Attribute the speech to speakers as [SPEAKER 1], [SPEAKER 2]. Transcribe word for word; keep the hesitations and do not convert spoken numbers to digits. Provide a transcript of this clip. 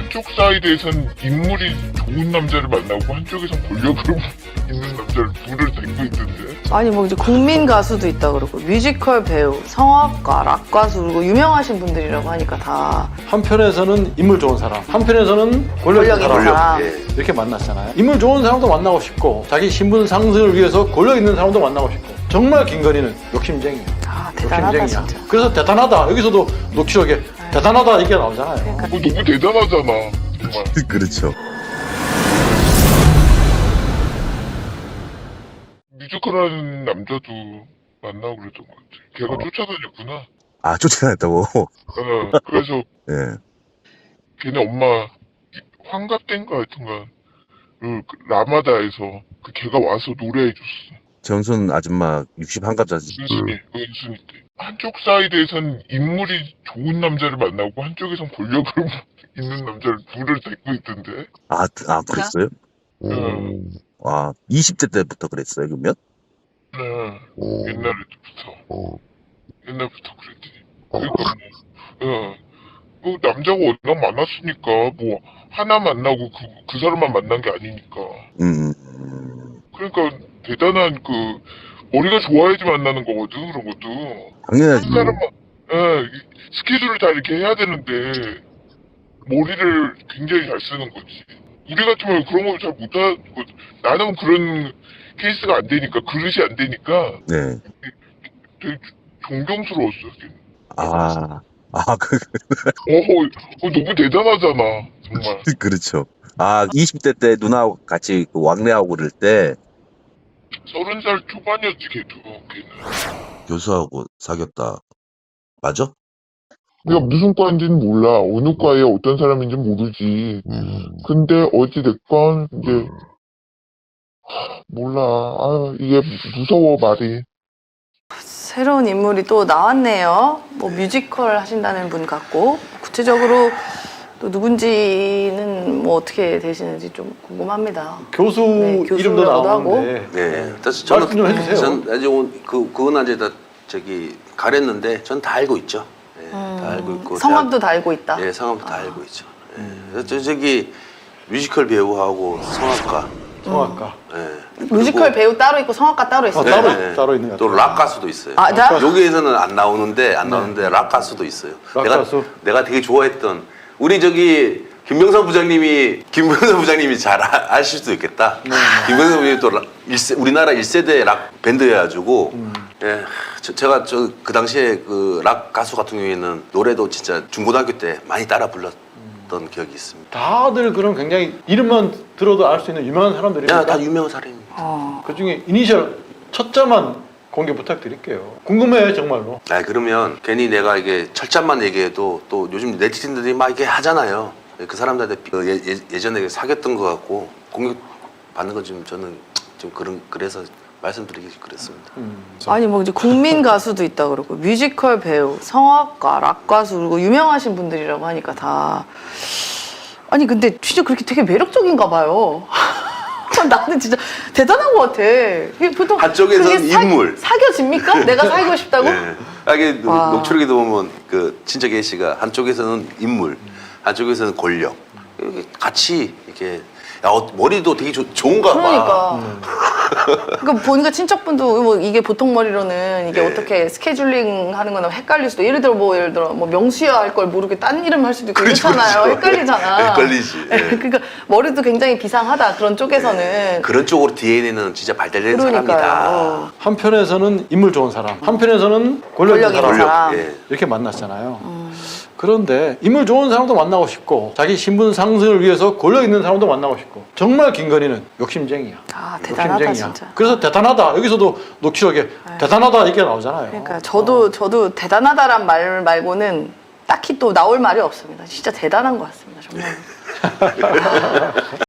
[SPEAKER 1] 한쪽 사이드에선 인물이 좋은 남자를 만나고 한쪽에선 권력으로 있는 남자를 둘을 데리고 있던데.
[SPEAKER 2] 아니 뭐 이제 국민 가수도 있다 그러고 뮤지컬 배우, 성악가, 락 가수 그리고 유명하신 분들이라고 하니까 다
[SPEAKER 3] 한편에서는 인물 좋은 사람, 한편에서는 권력 있는
[SPEAKER 2] 권력 있는
[SPEAKER 3] 사람
[SPEAKER 2] 사람.
[SPEAKER 4] 예.
[SPEAKER 3] 이렇게 만났잖아요. 인물 좋은 사람도 만나고 싶고 자기 신분 상승을 위해서 권력 있는 사람도 만나고 싶고 정말 김건희는 욕심쟁이야.
[SPEAKER 2] 아, 대단하다
[SPEAKER 3] 욕심쟁이야.
[SPEAKER 2] 진짜.
[SPEAKER 3] 그래서 대단하다. 여기서도 녹취록에 대단하다 이게 나오잖아요.
[SPEAKER 1] 그거 너무 대단하잖아 정말.
[SPEAKER 4] 그렇죠.
[SPEAKER 1] 뮤지컬하는 남자도 만나고 그랬던 것 같아. 걔가 쫓아다녔구나.
[SPEAKER 4] 아, 쫓아다녔다고?
[SPEAKER 1] 어, 그래서
[SPEAKER 4] 예.
[SPEAKER 1] 걔네 엄마 환갑된가 하여튼간 그 라마다에서 그 걔가 와서 노래해줬어.
[SPEAKER 4] 정순 아줌마 육십 한갑자지.
[SPEAKER 1] 은순이, 은순이 때. 한쪽 사이드에선 인물이 좋은 남자를 만나고 한쪽에선 권력으로 있는 남자를 둘을 데리고 있던데.
[SPEAKER 4] 아, 아, 그랬어요?
[SPEAKER 1] 응.
[SPEAKER 4] 아, 이십 대 때부터 그랬어요, 그러면?
[SPEAKER 1] 네, 옛날부터. 옛날부터 그랬지. 그러니까 뭐, 예. 그 남자가 워낙 많았으니까 뭐 하나 만나고 그, 그 사람만 만난 게 아니니까.
[SPEAKER 4] 음, 음,
[SPEAKER 1] 그러니까 대단한 그 머리가 좋아야지 만나는 거거든 그런 것도.
[SPEAKER 4] 당연하지.
[SPEAKER 1] 한 사람만 예, 이 스케줄을 다 이렇게 해야 되는데 머리를 굉장히 잘 쓰는 거지. 우리 같으면 그런 걸 잘 못하고 나는 그런 케이스가 안 되니까 그릇이 안 되니까
[SPEAKER 4] 네.
[SPEAKER 1] 되게 존경스러웠어.
[SPEAKER 4] 아, 아, 그,
[SPEAKER 1] 어, 어, 너무 대단하잖아 정말.
[SPEAKER 4] 그렇죠. 아, 이십 대 때 누나하고 같이 그 왕래하고 그럴 때
[SPEAKER 1] 서른 살 초반이었지 걔도. 걔는.
[SPEAKER 4] 교수하고 사귀었다. 맞아?
[SPEAKER 1] 내가 무슨 과인지는 몰라. 어느 과에 어떤 사람인지 모르지. 근데 어찌됐건 이제 몰라. 아 이게 무서워 말이.
[SPEAKER 2] 새로운 인물이 또 나왔네요. 뭐 뮤지컬 하신다는 분 같고 구체적으로 또 누군지는 뭐 어떻게 되시는지 좀 궁금합니다.
[SPEAKER 3] 교수
[SPEAKER 2] 네,
[SPEAKER 3] 이름도
[SPEAKER 2] 교수라고도
[SPEAKER 3] 나오는데
[SPEAKER 4] 네.
[SPEAKER 3] 말씀 좀 해주세요.
[SPEAKER 4] 전 아직 그 그건 이제 다 저기 가렸는데 전 다 알고 있죠. 예, 다 알고 있고
[SPEAKER 2] 성함도 다 알고 있다.
[SPEAKER 4] 대학, 예, 성함도 다 알고 있죠. 예. 저 저기 뮤지컬 배우하고 성악가.
[SPEAKER 3] 성악가.
[SPEAKER 4] 예.
[SPEAKER 2] 뮤지컬 배우 따로 있고 성악가 따로 있어요.
[SPEAKER 3] 아, 따로
[SPEAKER 4] 네.
[SPEAKER 3] 따로 있는 것 같아요.
[SPEAKER 4] 또 락 가수도 있어요.
[SPEAKER 2] 아, 자?
[SPEAKER 4] 여기에서는 안 나오는데 안 나오는데 락 가수도 있어요.
[SPEAKER 3] 락
[SPEAKER 4] 내가
[SPEAKER 3] 가수?
[SPEAKER 4] 내가 되게 좋아했던 우리 저기 김병선 부장님이 김병선 부장님이 잘 아, 아실 수도 있겠다. 김병선 부장님이 또 락, 일세, 우리나라 일 세대 락 밴드여가지고
[SPEAKER 3] 음.
[SPEAKER 4] 예, 저, 제가 저 그 당시에 그 락 가수 같은 경우에는 노래도 진짜 중고등학교 때 많이 따라 불렀던 기억이 있습니다.
[SPEAKER 3] 다들 그런 굉장히 이름만 들어도 알 수 있는 유명한 사람들이니까
[SPEAKER 4] 야, 다 유명한 사람입니다.
[SPEAKER 2] 어.
[SPEAKER 3] 그 중에 이니셜 첫자만 공개 부탁드릴게요. 궁금해요 정말로.
[SPEAKER 4] 아 그러면 괜히 내가 이게 철자만 얘기해도 또 요즘 네티즌들이 막 이게 하잖아요. 그 사람들한테 그 예, 예, 예전에 사귀었던 것 같고 공격 받는 건 좀 저는 좀 그런 그래서 말씀드리기 그랬습니다.
[SPEAKER 3] 음.
[SPEAKER 2] 아니 뭐 이제 국민 가수도 있다 그러고 뮤지컬 배우, 성악가, 락 가수 그리고 유명하신 분들이라고 하니까 다 아니 근데 진짜 그렇게 되게 매력적인가 봐요. 나는 진짜 대단한 것 같아. 이게 보통
[SPEAKER 4] 한쪽에서는
[SPEAKER 2] 그게 사-
[SPEAKER 4] 인물.
[SPEAKER 2] 사귀어집니까? 내가 사귀고 싶다고?
[SPEAKER 4] 예. 아, 이게
[SPEAKER 2] 와.
[SPEAKER 4] 녹취록에도 보면 그 친척 A 씨가 한쪽에서는 인물, 한쪽에서는 권력 이렇게 같이 이렇게 야, 어, 머리도 되게 조, 좋은가 봐.
[SPEAKER 2] 그러니까. 그러니까 보니까 친척분도 뭐 이게 보통 머리로는 이게
[SPEAKER 4] 네.
[SPEAKER 2] 어떻게 스케줄링 하는 거나 헷갈릴 수도 예를 들어 뭐 예를 들어 뭐 명수야 할 걸 모르게 딴 이름 할 수도 있고
[SPEAKER 4] 그렇죠,
[SPEAKER 2] 그렇잖아요.
[SPEAKER 4] 그렇죠.
[SPEAKER 2] 헷갈리잖아.
[SPEAKER 4] 헷갈리지. 예.
[SPEAKER 2] 그러니까 머리도 굉장히 비상하다 그런 쪽에서는.
[SPEAKER 4] 그런 쪽으로 디엔에이는 진짜 발달된
[SPEAKER 2] 그러니까요.
[SPEAKER 4] 사람이다.
[SPEAKER 2] 어.
[SPEAKER 3] 한편에서는 인물 좋은 사람, 한편에서는 권력 있는
[SPEAKER 2] 권력 있는
[SPEAKER 3] 사람
[SPEAKER 2] 사람.
[SPEAKER 4] 예.
[SPEAKER 3] 이렇게 만났잖아요. 그런데 인물 좋은 사람도 만나고 싶고 자기 신분 상승을 위해서 권력 있는 사람도 만나고 싶고 정말 김건희는 욕심쟁이야.
[SPEAKER 2] 아 대단하다 진짜.
[SPEAKER 3] 그래서 대단하다. 여기서도 녹취록에 대단하다 이게 나오잖아요.
[SPEAKER 2] 그러니까 저도 저도 대단하다란 말 말고는 딱히 또 나올 말이 없습니다. 진짜 대단한 것 같습니다 정말.